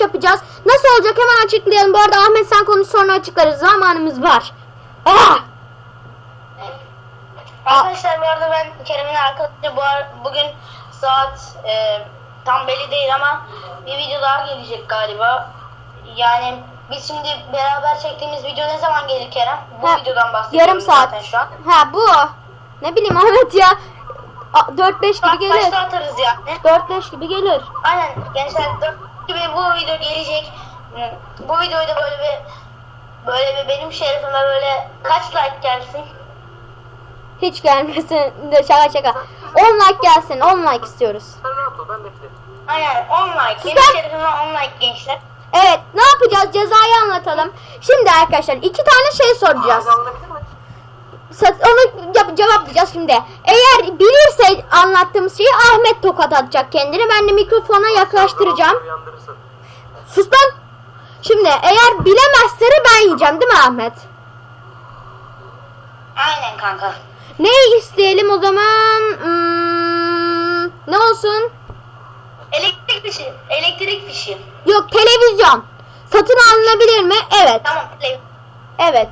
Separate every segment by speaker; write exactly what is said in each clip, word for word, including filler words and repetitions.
Speaker 1: challenge yapacağız. Nasıl olacak hemen açıklayalım. Bu arada Ahmet sen konuş sonra açıklarız. Zamanımız var. Ah!
Speaker 2: Arkadaşlar bu arada ben Kerem'in arkadaşı bu ar- bugün saat e, tam belli değil ama bir video daha gelecek galiba. Yani biz şimdi beraber çektiğimiz video ne zaman gelir Kerem? Bu
Speaker 1: Ha,
Speaker 2: videodan bahsediyorum
Speaker 1: yarım saat.
Speaker 2: zaten şu an.
Speaker 1: Ha bu. Ne bileyim Ahmet ya. dört beş gibi
Speaker 2: Bak
Speaker 1: gelir.
Speaker 2: başta atarız yani.
Speaker 1: dört beş gibi gelir.
Speaker 2: Aynen gençler dört gibi bu video gelecek. Bu videoyu da böyle bir böyle bir benim şerefime böyle kaç like gelsin?
Speaker 1: Hiç gelmesin. De şaka şaka. on like gelsin. on like istiyoruz.
Speaker 3: Sen rahat ol, ben beklerim.
Speaker 2: Aynen on like. Benim
Speaker 1: Sen-
Speaker 2: şerefime on like gençler.
Speaker 1: Evet ne yapacağız? Cezayı anlatalım. Şimdi arkadaşlar iki tane şey soracağız.
Speaker 3: Ağzı alınabilir mi?
Speaker 1: Sa- Onu yap- cevaplayacağız şimdi. Eğer bilirse anlattığımız şeyi Ahmet tokat atacak kendini. Ben de mikrofona yaklaştıracağım.
Speaker 3: Uyandırırsın.
Speaker 1: Sus lan. Şimdi eğer bilemezse de ben yiyeceğim değil mi Ahmet?
Speaker 2: Aynen kanka.
Speaker 1: Ne isteyelim o zaman? Hmm, ne olsun?
Speaker 2: Elektrik fişi. Elektrik fişi.
Speaker 1: Yok televizyon. Satın alınabilir mi? Evet.
Speaker 2: Tamam. play.
Speaker 1: Evet.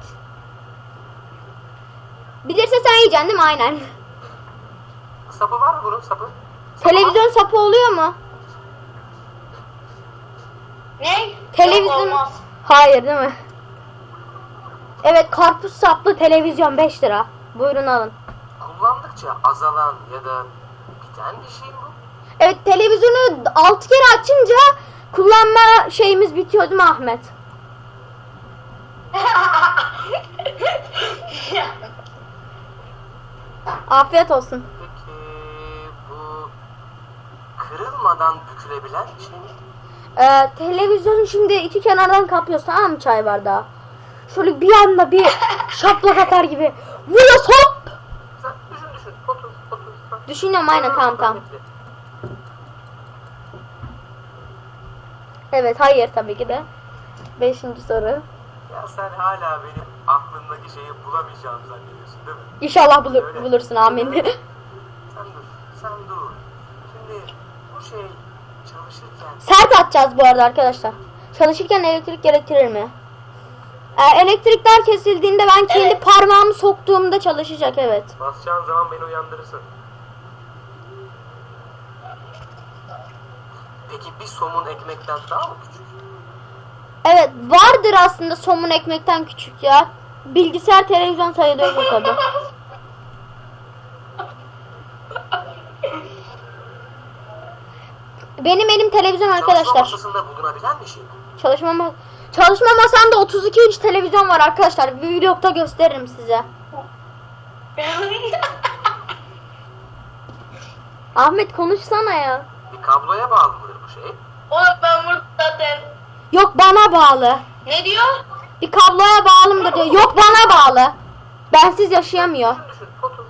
Speaker 1: Bilirse sen yiyeceksin değil mi? Aynen.
Speaker 3: Sapı var mı bunun sapı? Sapı var.
Speaker 1: Televizyon sapı oluyor mu?
Speaker 2: Ne?
Speaker 1: Televizyon.
Speaker 2: Yok, olmaz.
Speaker 1: Hayır değil mi? Evet karpuz saplı televizyon beş lira. Buyurun alın.
Speaker 3: Kullandıkça azalan ya da biten bir şey mi bu?
Speaker 1: Evet televizyonu altı kere açınca kullanma şeyimiz bitiyor değil mi Ahmet? Afiyet olsun.
Speaker 3: Peki bu kırılmadan bükülebilen bir şey mi?
Speaker 1: Ee, televizyonu şimdi iki kenardan kapıyorsun tamam mı çay bardağı? Şöyle bir anda bir şaplak atar gibi. Vuruyor hop!
Speaker 3: Sen düşün düşün. Otur otur. Bak.
Speaker 1: Düşünüyorum aynen tamam tamam.
Speaker 3: Bekle.
Speaker 1: Evet hayır tabii ki de. Beşinci soru.
Speaker 3: Ya sen hala benim aklımdaki şeyi bulamayacağımı zannediyorsun değil mi?
Speaker 1: İnşallah bulur,
Speaker 3: Öyle.
Speaker 1: bulursun amin.
Speaker 3: Sen dur. Sen dur. Şimdi bu şey çalışırken
Speaker 1: Sert atacağız bu arada arkadaşlar. Çalışırken elektrik gerektirir mi? Ee, elektrikler kesildiğinde ben kendi
Speaker 2: Evet.
Speaker 1: parmağımı soktuğumda çalışacak evet.
Speaker 3: basacağın zaman beni uyandırırsın. Peki bir somun ekmekten daha mı küçük?
Speaker 1: Evet vardır aslında somun ekmekten küçük ya. Bilgisayar televizyon sayılıyorsa tabii. Benim elim televizyon
Speaker 3: Çalışma
Speaker 1: arkadaşlar.
Speaker 3: masasında bulunabilen bir şey mi?
Speaker 1: Çalışma ma- Çalışma masamda otuz iki inç televizyon var arkadaşlar. Bir vlogda gösteririm size. Ahmet konuşsana ya.
Speaker 3: Bir kabloya bağlı mıdır bu şey?
Speaker 2: Oğlum ben burada zaten.
Speaker 1: Yok bana bağlı.
Speaker 2: Ne diyor?
Speaker 1: Bir kabloya bağlı mıdır diyor. Yok bana bağlı. Bensiz yaşayamıyor.
Speaker 3: Düşün düşün. Otur.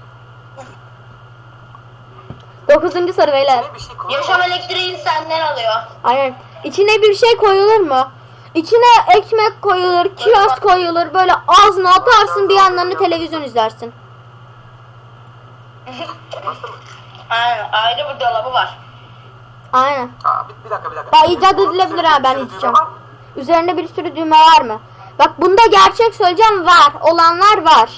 Speaker 1: Dokuzuncu soru beyler.
Speaker 3: Ne bir şey koyma.
Speaker 2: Yaşam elektriğini senden alıyor.
Speaker 1: Aynen. İçine bir şey koyulur mu? İçine ekmek koyulur, kiraz koyulur. Böyle ağzına atarsın bir yandan da televizyon izlersin.
Speaker 3: Bastın mı?
Speaker 2: Aynen ayrı bir dolabı var.
Speaker 1: Aynen.
Speaker 3: Aa, bir, bir dakika bir dakika.
Speaker 1: Daha icat edilebilir ha ben
Speaker 3: Üzerinde
Speaker 1: içeceğim.
Speaker 3: var mı?
Speaker 1: Üzerinde bir sürü düğme var mı? Bak bunda gerçek söyleyeceğim var. Olanlar var.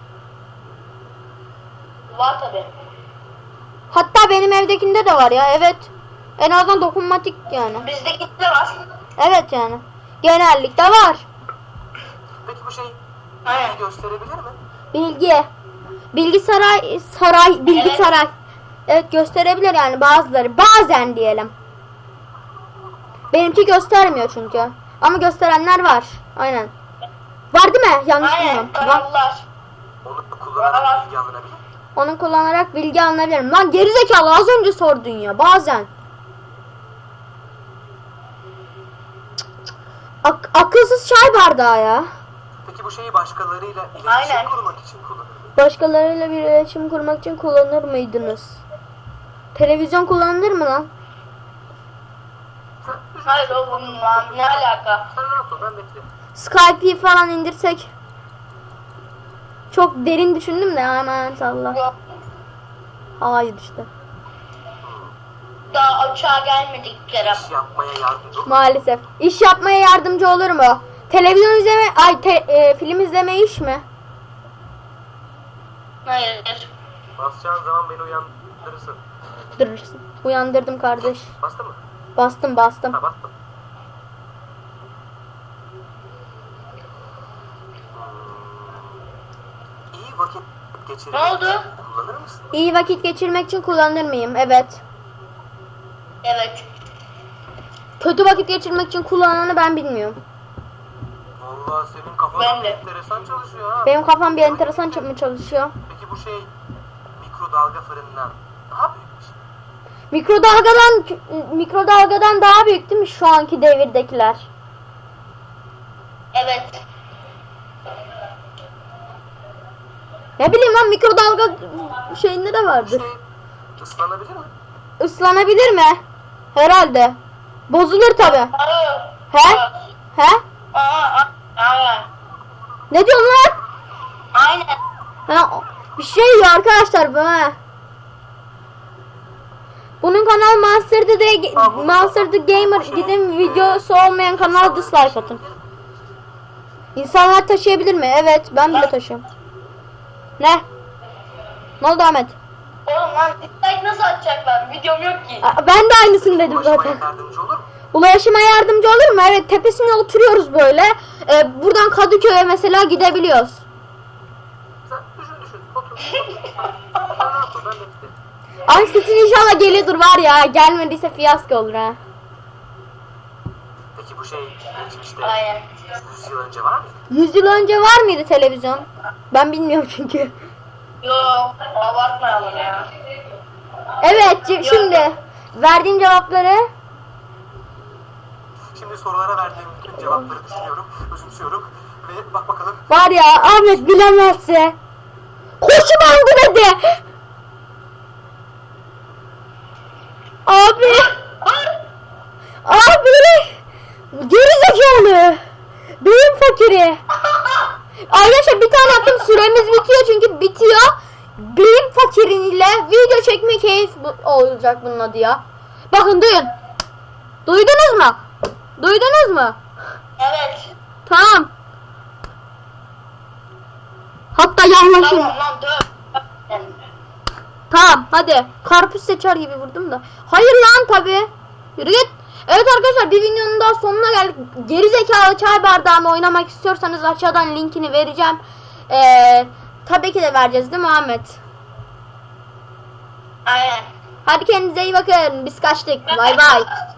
Speaker 2: Var tabi.
Speaker 1: Hatta benim evdekinde de var ya evet. En azından dokunmatik yani.
Speaker 2: Bizdeki de var.
Speaker 1: Evet yani. Genellikle var.
Speaker 3: Peki bu şey
Speaker 2: Aynen.
Speaker 3: bilgi gösterebilir mi?
Speaker 1: Bilgi. Bilgi saray, saray, bilgi
Speaker 2: Evet.
Speaker 1: saray. Evet gösterebilir yani bazıları. Bazen diyelim. Benimki göstermiyor çünkü. Ama gösterenler var. Aynen. Var değil mi? Yanlış
Speaker 2: Aynen
Speaker 1: bilmiyorum. Var.
Speaker 2: kanallar.
Speaker 3: Onu
Speaker 2: Var.
Speaker 3: kullanarak bilgi alınabilir mi?
Speaker 1: Onu kullanarak bilgi alınabilirim. Lan gerizekalı az önce sordun ya. Bazen. Ak- akılsız çay bardağı ya.
Speaker 3: Peki bu şeyi başkalarıyla iletişim
Speaker 2: Aynen.
Speaker 3: kurmak için kullanılır mı?
Speaker 1: Başkalarıyla bir iletişim kurmak için kullanır mıydınız? Televizyon kullanılır mı lan?
Speaker 3: Sen düşün.
Speaker 2: Hayır oğlum lan ne alaka?
Speaker 3: Sen rahat ol, ben beklerim.
Speaker 1: Skype'i falan indirsek. Çok derin düşündüm de hemen salla.
Speaker 2: Yok.
Speaker 1: Hayır işte.
Speaker 2: Daha uçağa gelmedik Kerem.
Speaker 3: İş yapmaya yardımcı ol.
Speaker 1: Maalesef. İş yapmaya yardımcı olur mu? Televizyon izleme, ay te- e, film izleme iş mi?
Speaker 2: Hayır.
Speaker 3: Basacağın zaman beni uyandırırsın.
Speaker 1: Durursun. Uyandırdım kardeş.
Speaker 3: Bastı mı?
Speaker 1: Bastım bastım.
Speaker 3: Ha bastım. Hmm. İyi vakit geçirmek
Speaker 2: Ne oldu?
Speaker 3: kullanır mısın?
Speaker 1: İyi vakit geçirmek için kullanır mıyım? Evet.
Speaker 2: Evet.
Speaker 1: Kötü vakit geçirmek için kullananı ben bilmiyorum.
Speaker 3: Vallahi senin kafan
Speaker 2: Ben de.
Speaker 3: enteresan çalışıyor ha.
Speaker 1: Benim kafam bir enteresan mı çalışıyor?
Speaker 3: Peki bu şey mikrodalga fırından daha büyük bir şey.
Speaker 1: Mikrodalgadan mikrodalgadan daha büyük değil mi şu anki devirdekiler?
Speaker 2: Evet.
Speaker 1: Ne bileyim lan, mikrodalga şeyinde de
Speaker 3: Bu
Speaker 1: vardır.
Speaker 3: şey ıslanabilir mi?
Speaker 1: Islanabilir mi? Herhalde. Bozulur tabi.
Speaker 2: Hayır.
Speaker 1: He? He?
Speaker 2: Aa, aa, aynen.
Speaker 1: Ne diyorsun lan?
Speaker 2: Aynen.
Speaker 1: Ha, bir şey diyor arkadaşlar bu ha. Bunun kanalı Monster the, Monster the Gamer, gidin videosu olmayan kanala dislike atın. İnsanlar taşıyabilir mi? Evet, ben bile taşıyorum. Ne? Ne oldu Ahmet?
Speaker 2: Oğlum lan dislike nasıl atacaklar? Videom yok ki.
Speaker 1: Aa, ben de aynısını dedim
Speaker 3: Ulaşmaya
Speaker 1: zaten.
Speaker 3: yardımcı olur mu?
Speaker 1: Ulaşıma yardımcı olur mu? Evet, tepesine oturuyoruz böyle. Ee, buradan Kadıköy'e mesela gidebiliyoruz.
Speaker 3: Sen düşün düşün. Otur. Sen rahat ol, ben beklerim.
Speaker 1: Ay sesin inşallah geliyordur var ya. Gelmediyse fiyasko olur ha.
Speaker 3: Peki bu şey geçmişte
Speaker 2: Aynen.
Speaker 3: yüz yıl önce var mıydı?
Speaker 1: yüz yıl önce var mıydı televizyon? Ben bilmiyorum çünkü.
Speaker 2: Yok. Abartmayalım ya.
Speaker 1: Evet, c- şimdi verdiğim cevapları
Speaker 3: Şimdi sorulara verdiğim bütün cevapları düşünüyorum, özümsüyorum ve bak bakalım.
Speaker 1: var ya, Ahmet bilemezse. Koşu bandı dedi. Abi. Abi. Gerizekalı. Beyin fakiri. Arkadaşlar bir tane attım, süremiz bitiyor çünkü bitiyor. Beyin fakiriyle video çekme keyif bu- olacak bunun adı ya. Bakın duyun. Duydunuz mu? Duydunuz mu?
Speaker 2: Evet.
Speaker 1: Tamam. Hatta yanlaşın.
Speaker 2: Tamam lan dur.
Speaker 1: Tamam hadi. Karpuz seçer gibi vurdum da. Hayır lan tabi. Yürü git. Evet arkadaşlar, bir videonun daha sonuna geldik. Geri zekalı çay bardağımı oynamak istiyorsanız aşağıdan linkini vereceğim. Ee, tabii ki de vereceğiz değil mi Ahmet?
Speaker 2: Aynen.
Speaker 1: Hadi kendinize iyi bakın. Biz kaçtık. Bay bay.